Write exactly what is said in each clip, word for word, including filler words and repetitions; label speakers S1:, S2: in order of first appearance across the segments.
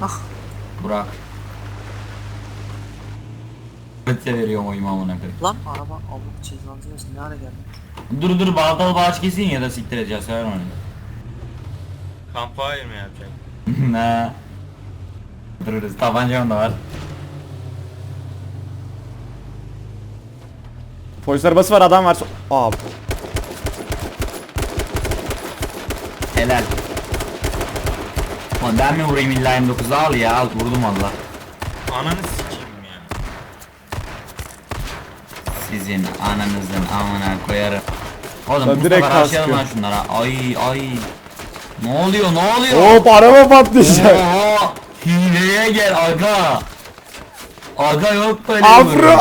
S1: Burak. Öte veriyorum oyumu amına koyayım.
S2: Lan araba Allah cezanızı versin, ne hale geldi?
S1: Dur dur baltalı bağış kesin ya da siktir edeceğiz sever onu.
S3: Campfire mı yapacak?
S1: Ne? Dururuz tabancam da var.
S4: Polis arabası var, adam var. Aa.
S1: Helal. Lan ben mi vurayım illa M dokuzu al ya al vurdum valla.
S3: Ananı sikeyim ya.
S1: Sizin ananızın amına koyarım. Oğlum
S4: Lan
S1: bu
S4: direkt
S1: sefer aşağıdan
S4: kaskıyor.
S1: lan şunlara. Ay ay. Ne oluyor ne oluyor?
S4: Hop, araba patlayacak.
S1: Oha! Hileye gel aga. Aga yok böyle.
S4: Afro.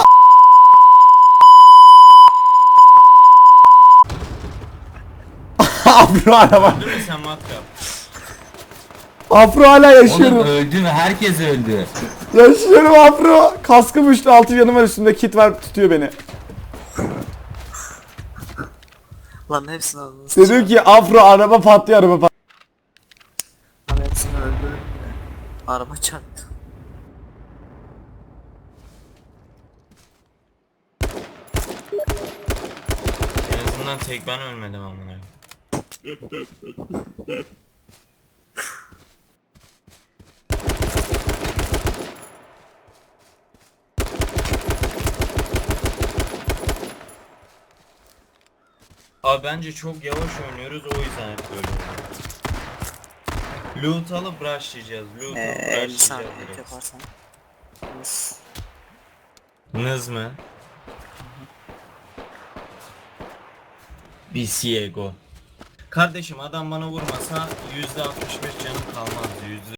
S4: Afro araba.
S3: Öldün mü sen matkap?
S4: Afro hala
S1: Oğlum
S4: yaşıyorum.
S1: öldü mü? Herkes öldü.
S4: Yaşıyorum Afro. Kaskım uçtu, altı yanım var, üstümde kit var, tutuyor beni.
S2: Lan hepsini aldınız.
S4: Dedim ki Afro araba patlıyor, araba patlıyor.
S2: Lan hepsini öldürdüm bile. Araba çarptı.
S3: En azından tek ben ölmedim amına. Abi bence çok yavaş oynuyoruz, o yüzden hep böyle oluyor. Loot alıp rushlayacağız. Loot
S2: Eee
S3: alıp
S2: elli saniye
S3: rushlayacağız direkt.
S2: yaparsan. Yes.
S3: Nız mı? Bir Siego. Kardeşim adam bana vurmasa yüzde altmış beş canım kalmazdı. yüzde